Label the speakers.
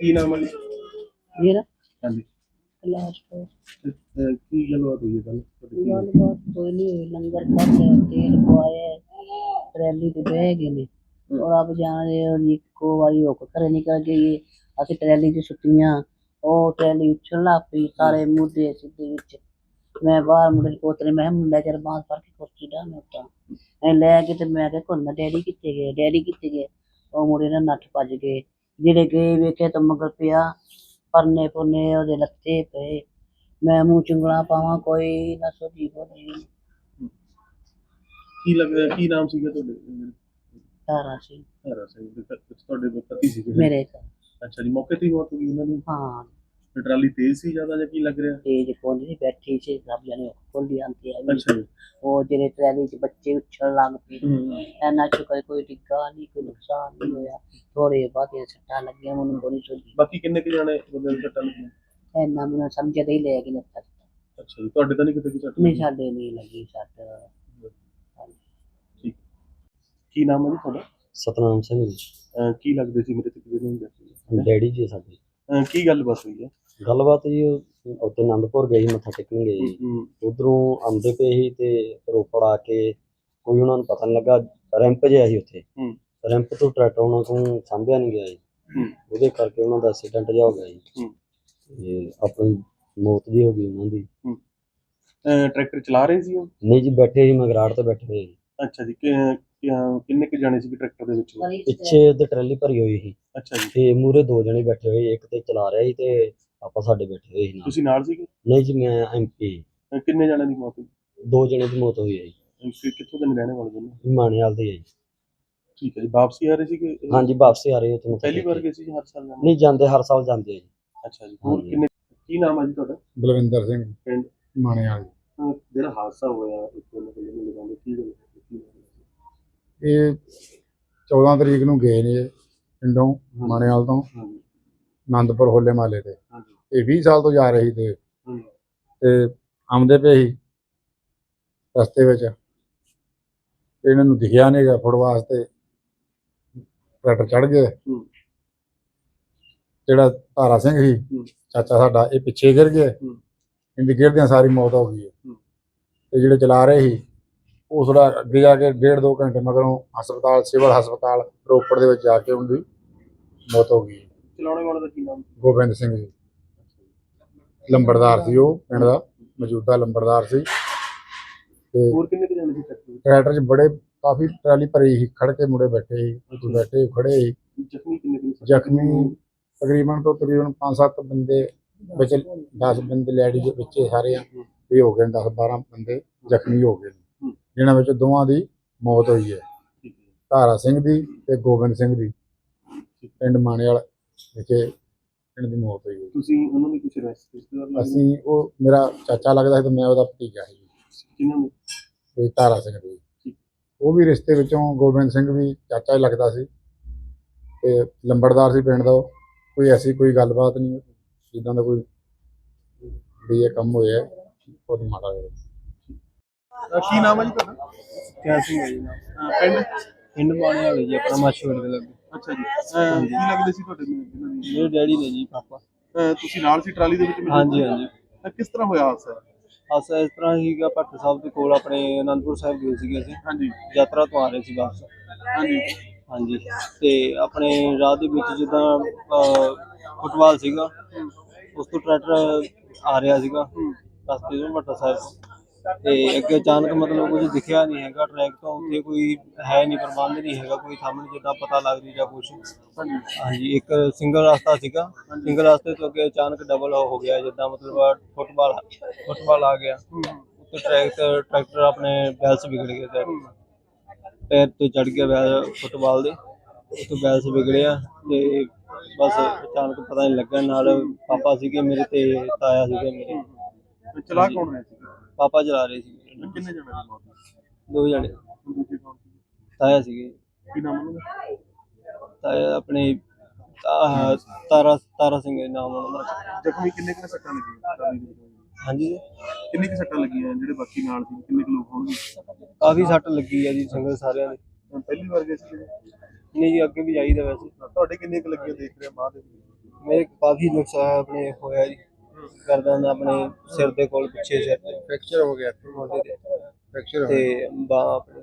Speaker 1: ਕੀ ਨਾਮ ਹੈ ਜੀ?
Speaker 2: ਮੇਰਾ
Speaker 1: ਹਾਂਜੀ।
Speaker 2: ਕਲਾਸ ਤੋਂ
Speaker 1: ਕੀ ਗੱਲਬਾਤ ਹੋਈ ਹੈ ਕੱਲ?
Speaker 2: ਗੱਲਬਾਤ ਕੋਈ ਨਹੀਂ ਹੋਈ। ਲੰਗਰ ਖਾਧਾ, ਤੇਲ ਪਵਾਇਆ, ਟਰੈਲੀ ਤੇ ਬਹਿ ਗਏ ਨੇ। ਔਰ ਆਪ ਜਾਣਦੇ ਹੋ ਜੀ, ਇੱਕੋ ਵਾਰੀ ਹੁੱਕ ਘਰੇ ਨਿਕਲ ਗਈ। ਅਸੀਂ ਟਰੈਲੀ 'ਚ ਸੁੱਟੀਆਂ, ਉਹ ਟਰੈਲੀ ਉੱਛਣ ਲੱਗ ਪਈ, ਸਾਰੇ ਮੁੱਦੇ ਸਿੱਧੇ ਵਿੱਚ। ਮੈਂ ਬਾਹਰ ਮੁੰਡੇ ਨੂੰ ਪੋਤਰੇ, ਮੈਂ ਕਿਹਾ ਮੁੰਡਾ ਚਿਰ ਬਾਂਹ ਫੜ ਕੇ ਕੁਰਸੀ ਢਾਹ ਮੈਂ ਉੱਤਾਂ ਐਂ ਲੈ ਕੇ ਤੇ ਮੈਂ ਕਿਹਾ ਘੁੰਨਾ ਡੈਡੀ ਕਿੱਥੇ ਗਏ, ਡੈਡੀ ਕਿੱਥੇ ਗਏ? ਉਹ ਮੁੰਡੇ ਨਾਲ ਨੱਠ ਭੱਜ ਗਏ। ਜਿਹੜੇ ਗਏ ਵੇਖੇ ਤਾਂ ਮਗਰ ਪਿਆ, ਪਰਨੇ ਪੁਰਨੇ ਉਹਦੇ ਲੱਥੇ ਪਏ। ਮੈਂ ਮੂੰਹ ਚੁੰਗਲਾਂ ਪਾਵਾਂ, ਕੋਈ ਨਾ ਸੋਝੀ ਬੋਝੀ।
Speaker 1: ਕੀ ਲੱਗਦਾ ਕੀ ਨਾਮ ਸੀਗਾ ਤੁਹਾਡੇ?
Speaker 2: ਤਾਰਾ ਸੀ
Speaker 1: ਹਰਾ ਸਿੰਘ ਦੇ ਤੁਹਾਡੇ ਪਤੀ ਸੀਗੇ?
Speaker 2: ਮੇਰੇ ਘਰ।
Speaker 1: ਅੱਛਾ ਜੀ, ਮੌਕੇ ਤੇ ਹੀ ਮੌਤ ਹੋ ਗਈ ਉਹਨਾਂ ਦੀ?
Speaker 2: ਹਾਂ,
Speaker 1: ਤੇ ਟਰਾਲੀ ਤੇਜ਼ ਸੀ ਜ਼ਿਆਦਾ ਜਾਂ ਕੀ ਲੱਗ ਰਿਹਾ?
Speaker 2: ਤੇਜ ਕੋਲ ਨਹੀਂ ਬੈਠੀ ਸੀ, ਸਭ ਜਣੇ ਖੋਲੀ ਆਂਦੀ ਹੈ।
Speaker 1: ਅੱਛਾ ਜੀ।
Speaker 2: ਉਹ ਜਿਹੜੇ ਟਰੈਲੀ 'ਚ ਬੱਚੇ ਉੱਛਣ ਲੱਗ ਪਏ। ਇੰਨਾ ਸ਼ੁਕਰ ਕੋਈ ਡਿੱਗਾ ਨਹੀਂ, ਕੋਈ ਨੁਕਸਾਨ ਨਹੀਂ ਹੋਇਆ। ਥੋੜੇ ਬਹੁਤੇ ਸੱਟਾਂ ਲੱਗੀਆਂ, ਮੈਨੂੰ ਬੜੀ ਸੋਝੀ।
Speaker 1: ਬਾਕੀ ਕਿੰਨੇ ਕੁ ਜਾਣੇ ਬੰਦੇ ਨੂੰ ਸੱਟਾਂ ਲੱਗੀਆਂ?
Speaker 2: ਇੰਨਾ ਮੈਨੂੰ ਸਮਝ ਦੇ ਹੀ ਲੈ ਕੇ ਨੱਥਾ।
Speaker 1: ਅੱਛਾ ਜੀ, ਤੁਹਾਡੇ ਤਾਂ ਨਹੀਂ ਕਿਤੇ ਸੱਟ?
Speaker 2: ਨਹੀਂ, ਸਾਡੇ ਨਹੀਂ ਲੱਗੀ ਸੱਟ।
Speaker 1: ਠੀਕ। ਕੀ ਨਾਮ ਹੈ ਜੀ ਤੁਹਾਡਾ?
Speaker 3: ਸਤਨਾਮ ਸਿੰਘ ਜੀ।
Speaker 1: ਕੀ ਲੱਗਦੇ ਸੀ ਮੇਰੇ ਤੇ ਜਿਹਨੂੰ?
Speaker 3: ਡੈਡੀ ਜੀ ਸਾਡੇ।
Speaker 1: ਕੀ ਗੱਲ ਬਸ ਹੋਈ ਹੈ?
Speaker 3: ਗੱਲਬਾਤ ਜੀ ਉੱਥੇ ਆਨੰਦਪੁਰ ਗਏ ਸੀ, ਮੱਥਾ ਟੇਕਣ ਗਏ ਸੀ। ਉਧਰੋਂ ਆਉਂਦੇ ਪਏ ਸੀ ਤੇ ਰੋਪੜ ਆ ਕੇ ਕੋਈ ਉਹਨਾਂ ਨੂੰ ਪਤਾ ਨਹੀਂ ਲੱਗਾ, ਰੈਂਪ ਜਿਹਾ ਸੀ ਉੱਥੇ। ਰੈਂਪ ਤੋਂ ਟਰੈਕਟਰ ਉਹਨਾਂ ਤੋਂ ਸਾਂਭਿਆ ਨਹੀਂ ਗਿਆ ਜੀ, ਉਹਦੇ ਕਰਕੇ ਉਹਨਾਂ ਦਾ ਐਕਸੀਡੈਂਟ ਜਿਹਾ ਹੋ ਗਿਆ ਜੀ ਤੇ ਆਪਣੀ ਮੌਤ ਜੀ ਹੋ ਗਈ ਉਹਨਾਂ ਦੀ।
Speaker 1: ਟਰੈਕਟਰ ਚਲਾ ਰਹੇ ਸੀ ਉਹ?
Speaker 3: ਨਹੀਂ ਜੀ, ਬੈਠੇ ਸੀ ਮਗਰਾੜ ਤੇ ਬੈਠੇ ਹੋਏ ਜੀ।
Speaker 1: ਅੱਛਾ ਜੀ, ਕਿੰਨੇ ਕੁ ਜਾਣੇ ਸੀ ਟਰੈਕਟਰ ਦੇ ਵਿੱਚ?
Speaker 3: ਪਿੱਛੇ ਉਹਦੇ ਟਰਾਲੀ ਭਰੀ ਹੋਈ ਸੀ।
Speaker 1: ਅੱਛਾ ਜੀ।
Speaker 3: ਤੇ ਮੂਹਰੇ 2 ਜਣੇ ਬੈਠੇ ਹੋਏ, ਇੱਕ ਤੇ ਚਲਾ ਰਿਹਾ ਸੀ ਤੇ ਆਪਾਂ ਸਾਡੇ ਬੈਠੇ ਹੋਏ ਸੀ।
Speaker 1: ਤੁਸੀਂ ਨਾਲ ਸੀਗੇ?
Speaker 3: ਨਹੀਂ ਜੀ, ਮੈਂ MP।
Speaker 1: ਕਿੰਨੇ ਜਣਿਆਂ ਦੀ ਮੌਤ ਹੋਈ?
Speaker 3: 2 ਜਣੇ ਦੀ ਮੌਤ ਹੋਈ ਹੈ ਜੀ।
Speaker 1: ਕਿੱਥੋਂ ਦੇ ਰਹਿਣੇ ਵਾਲੇ ਦੋਨੋਂ?
Speaker 3: ਮਾਣੇਵਾਲ ਦੇ ਹੈ ਜੀ।
Speaker 1: ਠੀਕ ਹੈ ਜੀ, ਵਾਪਸੀ ਆ ਰਹੇ ਸੀਗੇ?
Speaker 3: ਹਾਂਜੀ, ਵਾਪਸੀ ਆ ਰਹੇ ਹੋ।
Speaker 1: ਪਹਿਲੀ ਵਾਰ ਗਏ ਸੀ ਹਰ ਸਾਲ?
Speaker 3: ਨਹੀਂ, ਜਾਂਦੇ ਹਰ ਸਾਲ ਜਾਂਦੇ ਆ ਜੀ।
Speaker 1: ਅੱਛਾ ਜੀ। ਹੋਰ ਕਿੰਨੇ? ਕੀ ਨਾਮ ਹੈ ਜੀ ਤੁਹਾਡਾ?
Speaker 4: ਬਲਵਿੰਦਰ ਸਿੰਘ,
Speaker 1: ਪਿੰਡ
Speaker 4: ਮਾਣੇਵਾਲ।
Speaker 1: ਜਿਹੜਾ ਹਾਦਸਾ ਹੋਇਆ ਕੀ ਗੱਲ?
Speaker 4: ਇਹ 14 ਤਰੀਕ ਨੂੰ ਗਏ ਨੇ ਪਿੰਡੋਂ ਮਾਣੇਵਾਲ ਤੋਂ ਆਨੰਦਪੁਰ ਹੋਲੇ ਮਹੱਲੇ ਤੇ। ਇਹ 20 ਸਾਲ ਤੋਂ ਜਾ ਰਹੇ ਸੀ ਤੇ ਆਉਂਦੇ ਪਏ ਸੀ ਰਸਤੇ ਵਿੱਚ, ਇਹਨਾਂ ਨੂੰ ਦਿਖਿਆ ਨਹੀਂ ਗਾ ਫੁੱਟ ਵਾਸਤੇ, ਟਰੈਕਟਰ ਚੜ ਗਏ। ਜਿਹੜਾ ਤਾਰਾ ਸਿੰਘ ਸੀ ਚਾਚਾ ਸਾਡਾ, ਇਹ ਪਿੱਛੇ ਗਿਰ ਗਏ। ਇਹਦੀ ਗਿਰਦਿਆਂ ਸਾਰੀ ਮੌਤ ਹੋ ਗਈ ਹੈ। ਤੇ ਜਿਹੜੇ ਚਲਾ ਰਹੇ ਸੀ ਉਹ ਥੋੜਾ ਅੱਗੇ ਜਾ ਕੇ 1.5-2 ਘੰਟੇ ਮਗਰੋਂ ਹਸਪਤਾਲ, ਸਿਵਲ ਹਸਪਤਾਲ ਰੋਪੜ ਦੇ ਵਿੱਚ ਜਾ ਕੇ ਉਹਦੀ ਮੌਤ ਹੋ ਗਈ।
Speaker 1: ਚਲਾਉਣੇ ਵਾਲੇ ਦਾ ਕੀ ਨਾਮ?
Speaker 4: ਗੋਬਿੰਦ ਸਿੰਘ ਜੀ, ਲੰਬੜਦਾਰ ਸੀ ਉਹ ਪਿੰਡ ਦਾ, ਮੌਜੂਦਾ ਲੰਬੜਦਾਰ ਸੀ। ਤੇ
Speaker 1: ਹੋਰ ਕਿੰਨੇ ਕੁ ਜਾਣੇ ਸੀ
Speaker 4: ਟਰੈਕਟਰ 'ਚ ਬੜੇ ਕਾਫੀ ਟਰਾਲੀ ਭਰੀ ਸੀ, ਖੜ ਕੇ ਮੁੰਡੇ ਬੈਠੇ ਸੀ, ਬੈਠੇ ਖੜੇ ਸੀ।
Speaker 1: ਜ਼ਖਮੀ ਕਿੰਨੇ?
Speaker 4: ਜ਼ਖਮੀ ਤਕਰੀਬਨ 5-7 ਬੰਦੇ ਵਿੱਚ, 10 ਬੰਦੇ ਲੈਡੀ ਦੇ ਵਿੱਚ ਸਾਰੇ ਇਹ ਹੋ ਗਏ, 10-12 ਬੰਦੇ ਜ਼ਖਮੀ ਹੋ ਗਏ, ਜਿਨ੍ਹਾਂ ਵਿੱਚ ਦੋਵਾਂ ਦੀ ਮੌਤ ਹੋਈ ਹੈ, ਤਾਰਾ ਸਿੰਘ ਦੀ ਤੇ ਗੋਬਿੰਦ ਸਿੰਘ ਦੀ। ਪਿੰਡ ਮਾਣੇਵਾਲ ਵਿਖੇ ਇਹਨਾਂ ਦੀ ਮੌਤ ਹੋਈ ਹੈ।
Speaker 1: ਤੁਸੀਂ ਉਹਨਾਂ ਦੀ ਕੁਝ ਰਿਸ਼ਤੇਦਾਰ?
Speaker 4: ਅਸੀਂ, ਉਹ ਮੇਰਾ ਚਾਚਾ ਲੱਗਦਾ ਸੀ ਤੇ ਮੈਂ ਉਹਦਾ ਭਤੀਜਾ ਸੀ।
Speaker 1: ਕਿਹਨਾਂ ਨੇ?
Speaker 4: ਤੇ ਤਾਰਾ ਸਿੰਘ ਦੀ। ਉਹ ਵੀ ਰਿਸ਼ਤੇ ਵਿੱਚੋਂ, ਗੋਬਿੰਦ ਸਿੰਘ ਵੀ ਚਾਚਾ ਹੀ ਲੱਗਦਾ ਸੀ ਤੇ ਲੰਬੜਦਾਰ ਸੀ ਪਿੰਡ ਦਾ। ਕੋਈ ਐਸੀ ਕੋਈ ਗੱਲਬਾਤ ਨਹੀਂ, ਜਿੱਦਾਂ ਦਾ ਕੋਈ ਵੀ ਇਹ ਕੰਮ ਹੋਇਆ ਬਹੁਤ ਮਾੜਾ ਹੋਇਆ।
Speaker 1: ਕੀ ਨਾਮ ਹੈ ਜੀ ਤੁਹਾਡਾ?
Speaker 5: ਕਿਆ ਸਿੰਘ ਹੈ ਜੀ ਨਾਮ?
Speaker 1: ਪਿੰਡ
Speaker 5: ਮਾਣੇਵਾਲ ਜੀ, ਆਪਣਾ ਮਾਛੀਵਾੜੇ ਦੇ ਲੱਗੇ।
Speaker 1: ਅੱਛਾ ਜੀ। ਕੀ ਲੱਗਦੇ ਸੀ ਤੁਹਾਡੇ?
Speaker 5: ਮੇਰੇ ਡੈਡੀ ਨੇ ਜੀ, ਪਾਪਾ।
Speaker 1: ਤੁਸੀਂ ਨਾਲ ਸੀ ਟਰਾਲੀ ਦੇ ਵਿੱਚ?
Speaker 5: ਹਾਂਜੀ ਹਾਂਜੀ।
Speaker 1: ਕਿਸ ਤਰ੍ਹਾਂ ਹੋਇਆ ਹਾਦਸਾ?
Speaker 5: ਹਾਦਸਾ ਇਸ ਤਰ੍ਹਾਂ ਸੀਗਾ, ਭੱਟ ਸਾਹਿਬ ਦੇ ਕੋਲ ਆਪਣੇ ਅਨੰਦਪੁਰ ਸਾਹਿਬ ਗਏ ਸੀਗੇ ਅਸੀਂ।
Speaker 1: ਹਾਂਜੀ।
Speaker 5: ਯਾਤਰਾ ਤੋਂ ਆ ਰਹੇ ਸੀ ਵਾਪਸ।
Speaker 1: ਹਾਂਜੀ
Speaker 5: ਹਾਂਜੀ। ਤੇ ਆਪਣੇ ਰਾਹ ਦੇ ਵਿੱਚ ਜਿੱਦਾਂ ਫੁੱਟਬਾਲ ਸੀਗਾ, ਉਸ ਤੋਂ ਟਰੈਕਟਰ ਆ ਰਿਹਾ ਸੀਗਾ ਰਸਤੇ ਤੋਂ ਭੱਟ ਸਾਹਿਬ, ਤੇ ਅੱਗੇ ਅਚਾਨਕ ਮਤਲਬ ਕੁਝ ਦਿਖਿਆ ਨਹੀਂ ਹੈਗਾ ਟਰੈਕ ਤੋਂ। ਉੱਥੇ ਕੋਈ ਹੈ ਨਹੀਂ, ਪ੍ਰਬੰਧ ਨਹੀਂ ਹੈਗਾ ਕੋਈ ਸਾਹਮਣੇ ਜਿੱਦਾਂ ਪਤਾ ਲੱਗ ਰਹੀ ਜਾਂ ਕੁਛ। ਹਾਂਜੀ, ਇੱਕ ਸਿੰਗਲ ਰਸਤਾ ਸੀਗਾ, ਸਿੰਗਲ ਰਸਤੇ ਤੋਂ ਅੱਗੇ ਅਚਾਨਕ ਡਬਲ ਹੋ ਗਿਆ, ਜਿੱਦਾਂ ਮਤਲਬ ਫੁੱਟਬਾਲ ਆ ਗਿਆ। ਉੱਤੇ ਟਰੈਕਟਰ ਆਪਣੇ ਬੈਲਸ ਵਿਗੜ ਗਏ, ਪੈਰ ਤੋਂ ਚੜ ਗਿਆ ਫੁੱਟਬਾਲ ਦੇ, ਉੱਥੋਂ ਬੈਲਸ ਵਿਗੜਿਆ ਤੇ ਬਸ ਅਚਾਨਕ ਪਤਾ ਨਹੀਂ ਲੱਗਾ। ਨਾਲ ਪਾਪਾ ਸੀਗੇ ਮੇਰੇ ਤੇ ਤਾਇਆ ਸੀਗੇ ਮੇਰੇ।
Speaker 1: ਚਲਾ ਕੌਣ ਰਿਹਾ ਸੀ?
Speaker 5: ਪਾਪਾ ਚਲਾ ਰਹੇ ਸੀ।
Speaker 1: ਕਿੰਨੇ ਜਣੇ ਦੀ ਮੌਤ?
Speaker 5: 2 ਜਣੇ।
Speaker 1: ਦੂਜੇ ਕੌਣ ਸੀ?
Speaker 5: ਤਾਇਆ ਸੀਗੇ।
Speaker 1: ਕੀ ਨਾਮ ਉਹਨਾਂ ਦਾ?
Speaker 5: ਤਾਇਆ ਆਪਣੇ ਤਾਰਾ ਸਿੰਘ ਨਾਮ ਉਹਨਾਂ ਦਾ।
Speaker 1: ਜ਼ਖਮੀ ਕਿੰਨੇ ਕੁ ਸੱਟਾਂ ਲੱਗੀਆਂ?
Speaker 5: ਹਾਂਜੀ,
Speaker 1: ਕਿੰਨੀ ਕੁ ਸੱਟਾਂ ਲੱਗੀਆਂ? ਜਿਹੜੇ ਬਾਕੀ ਨਾਲ ਸੀ ਕਿੰਨੇ ਕੁ ਲੋਕ ਹੋਣਗੇ?
Speaker 5: ਕਾਫੀ ਸੱਟ ਲੱਗੀ ਆ ਜੀ ਸੰਗਤ ਸਾਰਿਆਂ ਦੇ।
Speaker 1: ਪਹਿਲੀ ਵਾਰ ਗਏ ਸੀ?
Speaker 5: ਨਹੀਂ ਜੀ, ਅੱਗੇ ਵੀ ਜਾਈਦਾ ਵੈਸੇ।
Speaker 1: ਤੁਹਾਡੇ ਕਿੰਨੇ ਕੁ ਲੱਗੀਆਂ ਦੇਖ ਰਿਹਾ ਬਾਅਦ?
Speaker 5: ਮੇਰੇ ਕਾਫੀ ਨੁਕਸਾਨ ਆਪਣੇ ਹੋਇਆ ਜੀ, ਗਰਦਨ ਆਪਣੇ ਸਿਰ ਦੇ ਕੋਲ, ਪਿੱਛੇ ਸਿਰ ਤੇ
Speaker 4: ਫ੍ਰੈਕਚਰ ਹੋ ਗਿਆ
Speaker 5: ਮੋਢੇ ਤੇ
Speaker 4: ਫ੍ਰੈਕਚਰ
Speaker 5: ਤੇ ਬਾਂਹ ਆਪਣੀ